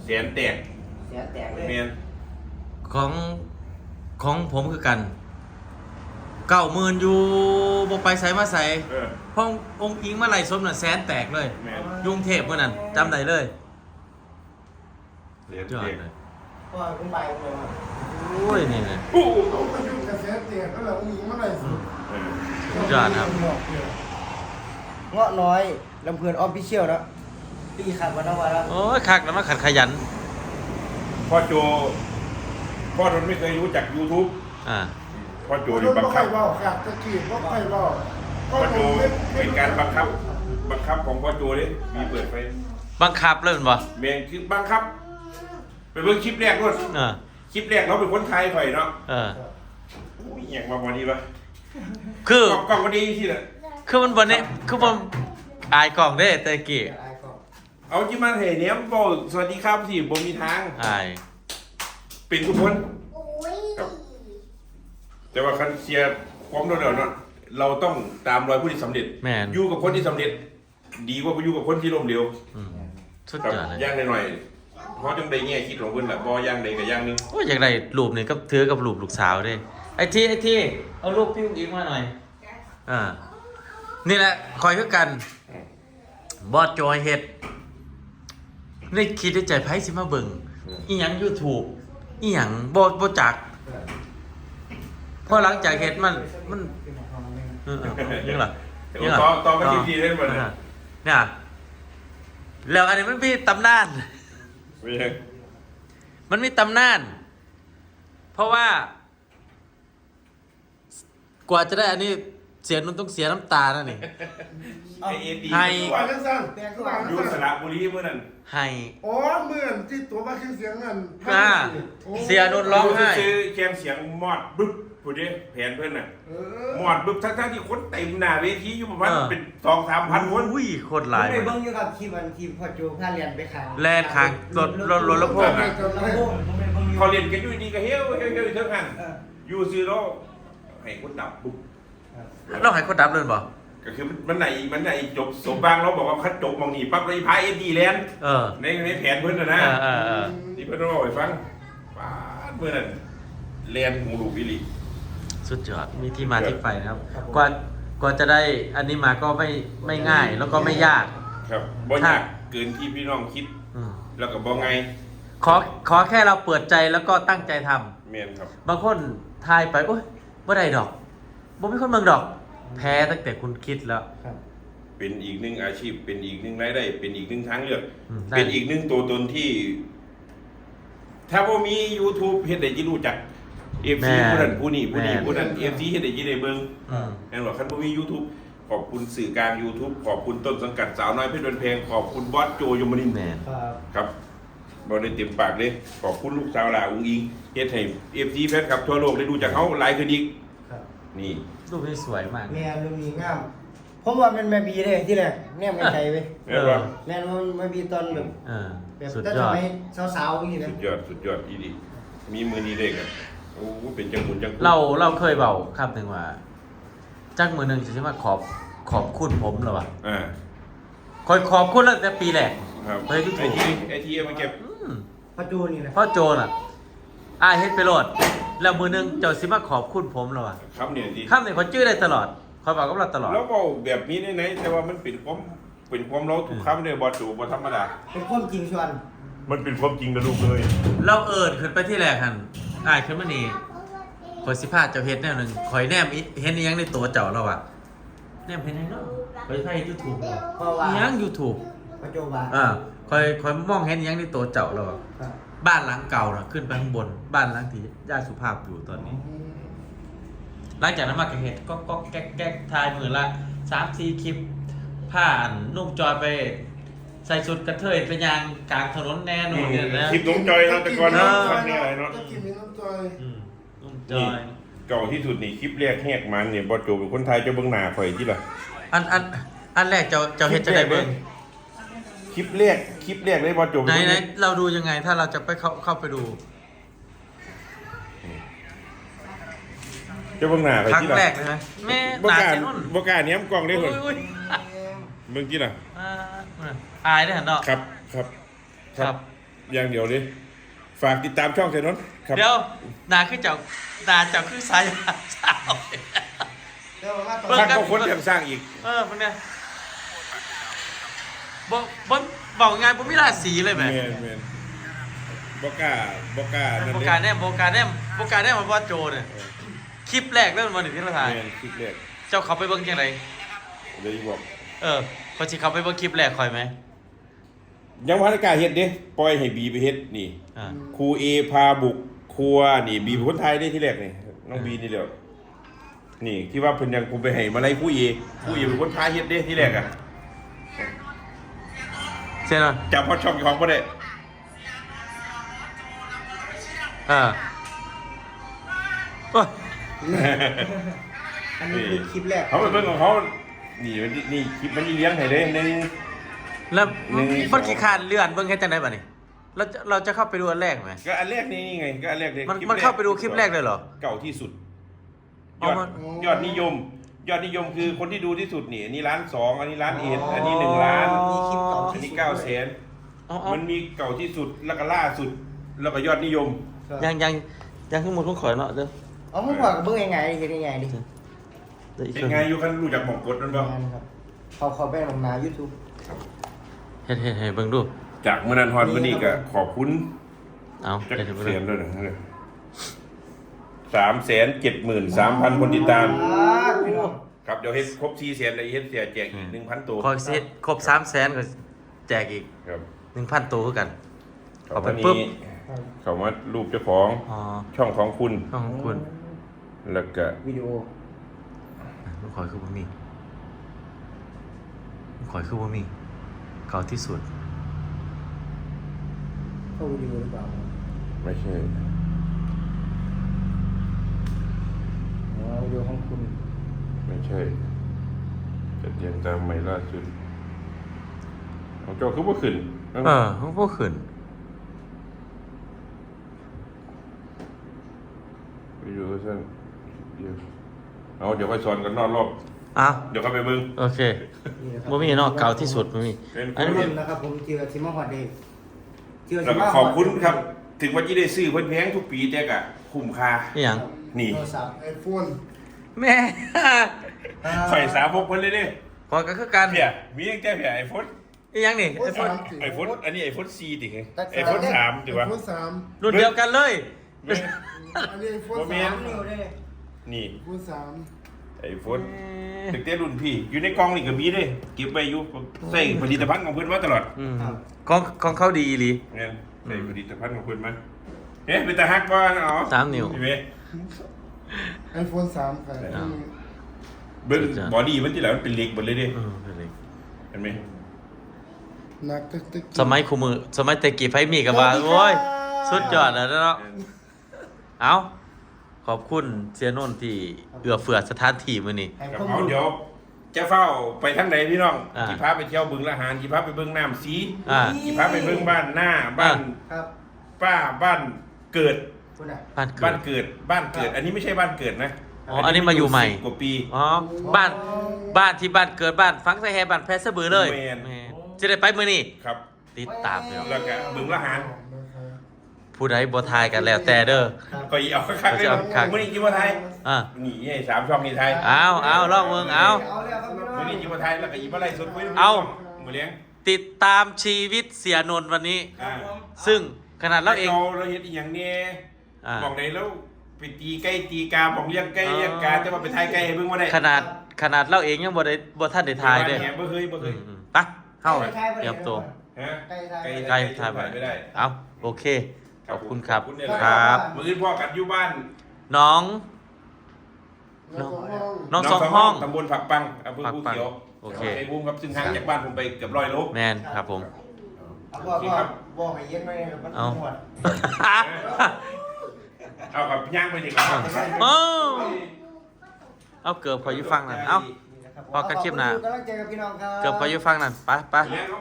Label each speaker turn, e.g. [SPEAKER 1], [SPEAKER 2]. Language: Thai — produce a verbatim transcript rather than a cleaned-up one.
[SPEAKER 1] แสนแตก
[SPEAKER 2] แสนแตกเลย
[SPEAKER 1] เมียน
[SPEAKER 3] ของของผมคือกันเก้าหมื่นอยู่บ่ไปใส่มาใส่ห้ององค์อิงมาไหลสมน่ะแสนแตกเลยยุงเทพเมื่อนั้นจำได้เลยยอดเลย
[SPEAKER 2] ก็คุณไปเลยว่า
[SPEAKER 3] โอ้ยนี่เลย
[SPEAKER 4] โอ้ก็ยุ่งกับแสนแตกก็แล้วองค์อิงมาไหลสุด
[SPEAKER 3] ยอดครับ
[SPEAKER 2] เงาะน้อยลำเพลินออฟฟิเชียลแล้วปีขับมาทั้งวันแล้ว
[SPEAKER 3] โอ้ยคักแล้วมาขัดขยัน
[SPEAKER 1] พ่อโจพ่อทนไม่เคยรู้จัก YouTube
[SPEAKER 3] อ่า
[SPEAKER 1] พ่อโจอยู่บังคับ
[SPEAKER 4] ว่าขาดตะกี้ว่าใครว่า
[SPEAKER 1] พ่อโจเป็นการบังคับบังคับของพ่อโจเลยมีเปิดไฟ
[SPEAKER 3] บังคับเล่นบ่
[SPEAKER 1] เมียนคือบังคับเป็นเรื่องคลิปแรกด้วยคลิปแรกเราเป็นคนไทยข่อยเนาะ
[SPEAKER 3] เออ
[SPEAKER 1] อุ้ยอย่างมาวันนี้ปะ
[SPEAKER 3] คือก
[SPEAKER 1] ล่องวันนี้ที่ไหน
[SPEAKER 3] คือมันวันนี้คือมันอายกล่องได้แต่กี้
[SPEAKER 1] เอาจิมาเห็นเนี้ยบอกสวัสดีครับสิผมมีทาง
[SPEAKER 3] อาย
[SPEAKER 1] เป็นทุกคนแต่ว่าคันเชียร์ความโดดเด่นเนาะเราต้องตามรอยผู้ที่สำเร็จอยู่กับคนที่สำเร็จดีกว่าไปอยู่กับคนที่ล้มเหลว
[SPEAKER 3] สุดยอดเลย
[SPEAKER 1] ย่างหน่อยเพราะจังใดแง่คิดของเพิ่นแหละบ่ย่างใดกับย่างนึง
[SPEAKER 3] โอ้ยอย่างไรรูปนี่ก็ถือกับรูปลูกสาวด้ไอ้ที่ไอ้ที่เอารูปพี่อุ้งอิงมาหน่อยอ่านี่แหละคอยคือกันบอสจอยเฮ็ดนี่คิดในใจไผสิมาเบิ่งอีหยัง YouTube อีหยังบ่บ่จักพอหลังจากเฮ็ดมันมันเออๆยังล่ะ
[SPEAKER 1] ยังล่ะต่อต่อมาทีๆได้บ่เนี่ย
[SPEAKER 3] เนี่ยแล้วอันนี้มันมีตำนานมันมีตำนานเพราะว่ากว่าจะได้อันนี้เสียนุ่นต้องเสียน้ำตาแล้วนี่
[SPEAKER 1] ให้
[SPEAKER 4] ว่าจังซั่น
[SPEAKER 1] อยู่สระบุรีเมื่อนั้น
[SPEAKER 3] ให้
[SPEAKER 4] อ๋อเหมือนที่ตัวมาคือเสียงนั่น
[SPEAKER 3] อ่าเสียนุ่นร้องไห้
[SPEAKER 1] ซื้อแคมเสียงมอดบึ๊บผู้ดิแผนเพิ่นน่ะมอดบึ๊บทั้งๆที่คนเต็มหน้าเวทีอยู่ประมาณเป็น สองถึงสามพัน คน
[SPEAKER 3] อุ้ยโคตรหลาย
[SPEAKER 2] ไปเบิ่งอยู่กับทีมวันทีมพ่อโจพาเรียนไปขาย
[SPEAKER 3] แล่นข้างรถรถรถแล้วพวก
[SPEAKER 1] เขาเรียนกันอยู่ดีก็เฮ้ยเฮ้ยเฮ้ยเท่านั้นอยู่ซื้อแล้วให้คนดับปุ๊บ
[SPEAKER 3] เราให้คนดับเลยบ่
[SPEAKER 1] ก็คือมันไหนมันไหนจบสมบางเราบอกว่าคัดจบมองนี่ปั๊บเลยพายเอ็ดดีแลนด์ในในแผนเพื่อนนะนะที่เพื่อนเราบอกให้ฟังป้าเมื่อนั้นแลนด์หูลูกวิลี
[SPEAKER 3] สุดยอดมีที่มาที่ไปนะครับกว่ากว่าจะได้อันนี้มาก็ไม่ไม่ง่ายแล้วก็ไม่ยาก
[SPEAKER 1] ครับบ่ยากเกินที่พี่น้องคิดแล้วก็บ่ไง
[SPEAKER 3] ขอขอแค่เราเปิดใจแล้วก็ตั้งใจท
[SPEAKER 1] ำเมียนครับ
[SPEAKER 3] บางคนทายไปโอ๊ยบ่ได้ดอกบ่มีคนเมืองดอกแพ้ตั้งแต่คุณคิดแล้ว
[SPEAKER 1] เป็นอีกหนึ่งอาชีพเป็นอีกหนึ่งรายได้เป็นอีกหนึ่งทางเลือกเป็นอีกหนึ่งตัวตนที่ถ้าว่ามี YouTube เฮ็ดได้ยิรู้จัก เอฟ ซี ผู้นั้นผู้นี้ผู้นี้ผู้นั้น เอฟ ซี เฮ็ดได้ยิได้เบิ่งแม่นบ่คันบ่มี YouTube ขอบคุณสื่อกลาง YouTube ขอบคุณต้นสังกัดสาวน้อยเพชรบันเพลงขอบคุณบอสโจยมนินทร์ครับบ่ได้เต็มปากเลยขอบคุณลูกสาวหลาอุ้งอิงเฮ็ดให้ เอฟ ซี แฟนคลับทั่วโลกได้รู้จักเฮาหลายขึ้นอีกนี่
[SPEAKER 3] รูปนี้สวยมาก
[SPEAKER 2] แม่รูปนี้งามผมว่ามันแม่บีเลยที่แรกแนมไกลๆไป
[SPEAKER 1] แม่ว่า
[SPEAKER 2] แม่มันแม่บีตอนแบบ
[SPEAKER 3] เออ
[SPEAKER 2] แบบตั้งแต่สาวๆอย่างนี้นะ
[SPEAKER 1] สุดยอดสุดยอดอีดีมีมือดีเด้ครับโอ้เป็นจังหมุนจัง
[SPEAKER 3] เราเราเคยเบาคำหนึ่งว่าจักมือหนึ่งจะใช่ไหมขอบขอบคุณผมเหรอวะ
[SPEAKER 1] อ่า
[SPEAKER 3] คอยขอบคุณตั้งแต่ปีแรก
[SPEAKER 1] ครับ
[SPEAKER 3] ไอ้ที่ถูก
[SPEAKER 1] ไอ้ที่เอามาเก็บ
[SPEAKER 2] พ่อโจนี่นะ
[SPEAKER 3] พ่อโจน่ะอ้าเฮ็ดไปโหลดแล้วมือหนึ่งเจ้าสิมาขอบคุณผมเหรอวะ
[SPEAKER 1] คำเนี่ยดี
[SPEAKER 3] คำเนี่ยเขาจื้อได้ตลอดคอยบอกกับเราตลอด
[SPEAKER 1] แล้วบอกแบบนี้ในไหนแต่ว่ามันเป็นความเป็นความเราทุกคำเนี่ยบอจูบอธรรมดา
[SPEAKER 2] เป็นความจริงชวน
[SPEAKER 1] มันเป็นความจริงนะลูกเลย
[SPEAKER 3] เราเอิดขึ้นไปที่แรกหันอ้ายขึ้นมานี่คอยสิพาเจ้าเฮ็ดแนวหนึ่งคอยแนมเห็นยังในตัวเจ้าเราอะแนมเห็นยังเนาะคอยใช้ยูทูบยังยูทูบ
[SPEAKER 2] พ่อโจบ้า
[SPEAKER 3] อ่าคอยคอยมองเห็นยังในตัวเจ้าเราบ้านหลังเก่าน่ะขึ้นไปข้างบนบ้านหลังที่ย่าสุภาพอยู่ตอนนี้หลังจากนั้นมาเห็ดก็ก็แก๊กแก๊กทายมือละสามสี่คลิปผ่านนุ่มจอยไปใส่ชุดกระเทยไปยางกลางถนนแน่นอนเนี่ยนะ
[SPEAKER 1] คลิปนุ่มจอยเราแต่ก่อนเนาะคลิปนี้อะไรเนาะ
[SPEAKER 4] คลิปนี้นุ่มจอย
[SPEAKER 3] นุ่มจอย
[SPEAKER 1] เก่าที่สุดนี่คลิปแรกแหกมันเนี่ยบอสโจเป็นคนไทยจะเบิ้งหน้าข่อยที่ละ
[SPEAKER 3] อันอันอันแรกเจ้าเจ้าเฮ็ดจะได้เบิ้ง
[SPEAKER 1] คลิปแรกคลิปแรกเลยบอสโจ
[SPEAKER 3] ไหนไหนเราดูยังไงถ้าเราจะไปเข้าเข้าไปดู
[SPEAKER 1] จะเบิ้งหน้าข่อยที่ละ
[SPEAKER 3] ครั้งแรกเลยไหมแม่หน้าเจ้านุ่น
[SPEAKER 1] บกาเนี้ยมกล้องได้คนเบิ้งที่ละ
[SPEAKER 3] อายได้เห็นเนาะ
[SPEAKER 1] ครับครับ
[SPEAKER 3] ครับ
[SPEAKER 1] อย่างเดียวเลยฝากติดตามช่องเซนนครับ
[SPEAKER 3] เดี๋ยวนาคือเจ้านาเจ้าคือสายสาว
[SPEAKER 2] เดี๋ยวมาต่อ
[SPEAKER 3] เบิ่ง
[SPEAKER 1] สร้างก็คนยังสร้างอีก
[SPEAKER 3] เออมันเนี่ยบอกบอกบอกงานผมไม่ราศีเลยแหม
[SPEAKER 1] เมนเมนบอกล้าบอกล้านั่น
[SPEAKER 3] โบ
[SPEAKER 1] เลย
[SPEAKER 3] กาแนมโบกาแนมโบกาแนมมันว่าโจเนี่ยคลิปแรกเริ่มวันหนึ่งที่เราถ่าย
[SPEAKER 1] เมนคลิปแรก
[SPEAKER 3] เจ้าเขาไปเบิ้งยังไง
[SPEAKER 1] เลยบอก
[SPEAKER 3] เออพอสิเขาไปเบิ้งคลิปแรกคอยไหม
[SPEAKER 1] ยังพันกล้าเฮ็ดเด้ปล่อยให้บีไปเฮ็ดนี่
[SPEAKER 3] อ่า
[SPEAKER 1] ครูเอพาบุกครัวนี่บีเป็นคนไทยได้ที่แรกนี่น้องบีนี่เดียวนี่ที่ว่าเพิ่นยังกูไปให้มาไล่ครูเอครูเอเป็นคนพาเฮ็ดเด้ที่แรกอ่ะ
[SPEAKER 3] เช่นอ่ะ
[SPEAKER 1] จับพอช่องของบ่ได้
[SPEAKER 3] อ่าโอ้ย
[SPEAKER 2] อันนี้คือคลิปแรก
[SPEAKER 1] เขาไปเบิ่งของเขานี่มันนี่คลิปมันเลี้ยงให้เด้หนึง
[SPEAKER 3] แล้ว
[SPEAKER 1] หนึ่ง
[SPEAKER 3] มันขี้คร้านเลื่อนเบิ้งแค่จังไดบ่นี่เราจะเราจะเข้าไปดูอันแรกไหม
[SPEAKER 1] ก็อันแรกนี่นี่ไงก็อันแรกเลย
[SPEAKER 3] มัน
[SPEAKER 1] คลิป
[SPEAKER 3] มัน
[SPEAKER 1] แรก
[SPEAKER 3] เข้าไปดูคลิปแรกเลยเหรอ
[SPEAKER 1] เก่าที่สุดย
[SPEAKER 3] เอา
[SPEAKER 1] อด
[SPEAKER 3] มา
[SPEAKER 1] ยอดนิยม ยอดนิยมคือคนที่ดูที่สุดนี่อันนี้ล้านสองอันนี้ล้านเอ็ดอันนี้หนึ่งล้าน
[SPEAKER 2] มีคลิปเก่า
[SPEAKER 1] อัน
[SPEAKER 2] ที่
[SPEAKER 1] นี้
[SPEAKER 2] สุด
[SPEAKER 1] เก้าแสน
[SPEAKER 3] เอาเอา
[SPEAKER 1] มันมีเก่าที่สุดแล้วก็ล่าสุด แล้วก็ยอดนิยม
[SPEAKER 3] ยังยังยังขึ้นหมดต้องขอยเนาะเด้อ
[SPEAKER 2] เอามึงบอกกับเบิ้งยังไงเห็นยังไงดิ
[SPEAKER 3] เดี๋ยวอีก
[SPEAKER 1] เป็
[SPEAKER 3] คน น
[SPEAKER 1] ไงอยู่คันรู้จักหม่องกดนั่นบ่
[SPEAKER 2] งานครับเขาเขาไปลงนา YouTube
[SPEAKER 3] เฮ็ดเฮ็ดให้เบิ่งดู
[SPEAKER 1] จากเมื่อนั้นฮอนวันนี้ก็ขอบคุณ
[SPEAKER 3] เอา
[SPEAKER 1] จัก
[SPEAKER 3] เฮ็ดให้เบิ่ง
[SPEAKER 1] เสียน
[SPEAKER 3] ดู
[SPEAKER 1] ด้วยนะสามแสนเจ็ดหมื่นสามพันคนติดตาม
[SPEAKER 2] อ่าพี่น้อง
[SPEAKER 1] ครับเดี๋ยวเฮ็ดครบสี่แสนแล้วเฮ็ดเสียแจกอีกหนึ่งพันตัว
[SPEAKER 3] ขอสิครบสามแสนก็แจกอีก
[SPEAKER 1] ครับ
[SPEAKER 3] หนึ่งพันตัวคือกัน
[SPEAKER 1] ขอ
[SPEAKER 3] เอา
[SPEAKER 1] บ
[SPEAKER 3] ไป
[SPEAKER 1] ไป
[SPEAKER 3] ปุ๊
[SPEAKER 1] ปุ๊
[SPEAKER 3] บ
[SPEAKER 1] บเขามารูปเจ้าของ
[SPEAKER 3] อ๋อ
[SPEAKER 1] ช่องของคุณ
[SPEAKER 3] ต้องของคุณ
[SPEAKER 1] แล้วก็
[SPEAKER 2] วิดีโอ
[SPEAKER 3] ลูกขอยคือบ่มีลูกขอยคือบ่มีเก่าที่สุด
[SPEAKER 2] เข้าวิดีโอหรือเปล่า
[SPEAKER 1] ไม่ใช่
[SPEAKER 2] อ๋อวิดีโอของคุณ
[SPEAKER 1] ไม่ใช่จัดเรียงตามใหม่ล่าสุดของเจ้าคือว่าขึ้น
[SPEAKER 3] เออเขาบ่ขึ้น
[SPEAKER 1] วิดีโอสั้นเดี๋ยวเอาเดี๋ยวไปสอนกันนอกรอบ
[SPEAKER 3] อ้าว
[SPEAKER 1] เดี๋ยวเข้าไปเบิ่ง
[SPEAKER 3] โอเค
[SPEAKER 2] นี่นะครับ
[SPEAKER 3] บ่มีเนาะเก่าที่สุดบ่มี
[SPEAKER 1] เป็น
[SPEAKER 3] อันนี้
[SPEAKER 2] ขอบ
[SPEAKER 3] มั
[SPEAKER 2] คุ
[SPEAKER 3] น
[SPEAKER 2] ณนะครับผมเจอทิมฮอดเดย์เจอ
[SPEAKER 1] แล้วก็ขอบคุณครับ ถึงว่าจะได้ซื้อเพิ่นแพงทุกปีแต่ก็คุ้มค่า
[SPEAKER 3] อีหยัง
[SPEAKER 1] นี่
[SPEAKER 2] โทรศัพท์
[SPEAKER 4] ไอโฟน
[SPEAKER 3] แม่
[SPEAKER 1] ไฟสาวพกเพิ่นเลยเด้
[SPEAKER 3] พอก็คือกัน
[SPEAKER 1] เพียมีตั้งแต่เพียไอโฟน
[SPEAKER 3] อีหยังนี่
[SPEAKER 4] โอ้ยสามสิ
[SPEAKER 1] ไอโฟนอันนี้ไอโฟนสี่ติไง
[SPEAKER 2] แต่
[SPEAKER 1] ไอโฟนสามถือว่า
[SPEAKER 4] ไอโฟนสาม
[SPEAKER 3] รุ่นเดียวกันเลย
[SPEAKER 1] แม่
[SPEAKER 4] อันนี้ไอโฟน
[SPEAKER 1] บ่แม่
[SPEAKER 4] สาน ม
[SPEAKER 2] นิ้วได้เลย
[SPEAKER 1] นี่
[SPEAKER 4] ไอโฟนสาม
[SPEAKER 1] ไอโฟนถึงแต่รุ่นพี่ อยู่ในกล่องนี่ก็มีเด้เก็บไว้อยู่ใส่ผลิตภัณฑ์ของเพิ่นมาตลอด
[SPEAKER 3] อืมของของเขาดีอีหลี
[SPEAKER 1] เงี้ยใส่ผลิตภัณฑ์ของเพิ่นมาเอ๊ะเป็นตาฮักบ่เนาะ
[SPEAKER 3] สามนิ้ว
[SPEAKER 1] เห็นไหม
[SPEAKER 4] ไอโฟนสามค่ะ
[SPEAKER 3] อ้าว
[SPEAKER 1] เบิ่งบอดี้มันที่แล้วมันเป็นเหล็กหมดเลยเด้
[SPEAKER 3] เออเป็นไร
[SPEAKER 1] เห็นไหม
[SPEAKER 4] หนักตึกตึก
[SPEAKER 3] สมัยคูมือสมัยแต่กี้ไฟมีกับว่าโอ้ยสุดยอดแล้วเนาะเอาขอบคุณเสียนนท์ที่เอื้อเฟื้อสถานที่มื้อนี้
[SPEAKER 2] ให้
[SPEAKER 1] กับ
[SPEAKER 2] ข้อ
[SPEAKER 1] เอา
[SPEAKER 2] มูล
[SPEAKER 1] เดี๋ยวจะเฝ้าไปทางไหนพี่น้อง
[SPEAKER 3] อ่า
[SPEAKER 1] กี่พาไปเที่ยวบึงละหารกี่พาไปเบิ่งน้ำสี
[SPEAKER 3] อ่า
[SPEAKER 1] กี่พาไปเบิ่งบ้านหน้าบ้าน
[SPEAKER 2] ครับ
[SPEAKER 1] ป้าบ้านเกิด
[SPEAKER 2] คุณอ่ะ
[SPEAKER 3] บ้านเกิ
[SPEAKER 1] บ้า
[SPEAKER 3] ด
[SPEAKER 1] นเกิดบ้านเกิด อันนี้ไม่ใช่บ้านเกิดนะ
[SPEAKER 3] อ๋ออันนี้มาอยู่ใหม่
[SPEAKER 1] สิบกว่าปี
[SPEAKER 3] อ๋อบ้านบ้านที่บ้านเกิดบ้านฟังไสแฮบ้านแพสะบือเลย
[SPEAKER 1] แม่น
[SPEAKER 3] แม่นจะได้ไปมื้อนี้
[SPEAKER 1] ครับ
[SPEAKER 3] ติดตามเด้อ
[SPEAKER 1] แล้วก็บึงละหาร
[SPEAKER 4] นะครับ
[SPEAKER 3] ผู้ใดบ่ทายกันแล้วแต่เด้อ
[SPEAKER 1] ก็อีเอาคักๆเลย
[SPEAKER 3] เอาคัก
[SPEAKER 1] มื่อนี้จิมว่าไทย
[SPEAKER 3] อ่ะ
[SPEAKER 1] นี่ไอ้สามช่องนี่ไทย
[SPEAKER 3] เอาเอาลองเบิ่งเอา
[SPEAKER 2] เอาแล้วครับพี่น้อง
[SPEAKER 1] มื่อนี้จิมว่าไทยแล้วก็อีมาไล่สดคุย
[SPEAKER 3] เอา
[SPEAKER 1] มือเลี้ยง
[SPEAKER 3] ติดตามชีวิตเสียนนท์วันนี้
[SPEAKER 1] อ่า
[SPEAKER 3] ซึ่งขนาดเราเอง
[SPEAKER 1] เราเฮ็ดอีหยังเนี่ย
[SPEAKER 3] อ่า
[SPEAKER 1] บอกไหนแล้วไปตีไก่ตีกาบอกเลี้ยงไก่เลี้ยงกาแต่ว่าไปทายไก่ให้เบิ่งบ่ได้
[SPEAKER 3] ขนาดขนาดเราเองยังบ่ได้บ่ทันได้ทายเด้อ
[SPEAKER 1] บ่เคยบ่เคย
[SPEAKER 3] อืมๆไปเฮาเตรียมตัว
[SPEAKER 1] ฮะ
[SPEAKER 2] ไก่ไทย
[SPEAKER 3] ใกล้ทายไป
[SPEAKER 1] ไม่ได้
[SPEAKER 3] เอาโอเค ขอบคุณครับ
[SPEAKER 1] ขอบคุณเนี่ย
[SPEAKER 3] ครับ
[SPEAKER 1] มื้ออื่นพ่อกันอยู่บ้าน
[SPEAKER 3] น้อง
[SPEAKER 4] น้องห้อง
[SPEAKER 3] น้องสองห้อง
[SPEAKER 1] ตำบลผักปังอำเภอ
[SPEAKER 3] ผัก
[SPEAKER 1] ภู
[SPEAKER 3] ปัง
[SPEAKER 1] เขียว
[SPEAKER 3] โอเค
[SPEAKER 1] จังหวัดชัยภูมิครับซึ่งห่างจากบ้านผมไปเกือบร้อยโล
[SPEAKER 3] แมนครับผม
[SPEAKER 2] เอาบอกว่าบอกให้เย็นไว้ครับมัน
[SPEAKER 3] เอา
[SPEAKER 2] หมด
[SPEAKER 1] เอากับย่างไปดีกว่า
[SPEAKER 3] เอ้าเอาเกือบขออยู่ฟังนั่นเอา พอกันคลิปหน้า
[SPEAKER 2] ขอบคุณกำลังใจกับพี่น้องครับ
[SPEAKER 3] เกือบขออยู่ฟังนั่นไปไป
[SPEAKER 1] เลี้ยงเขา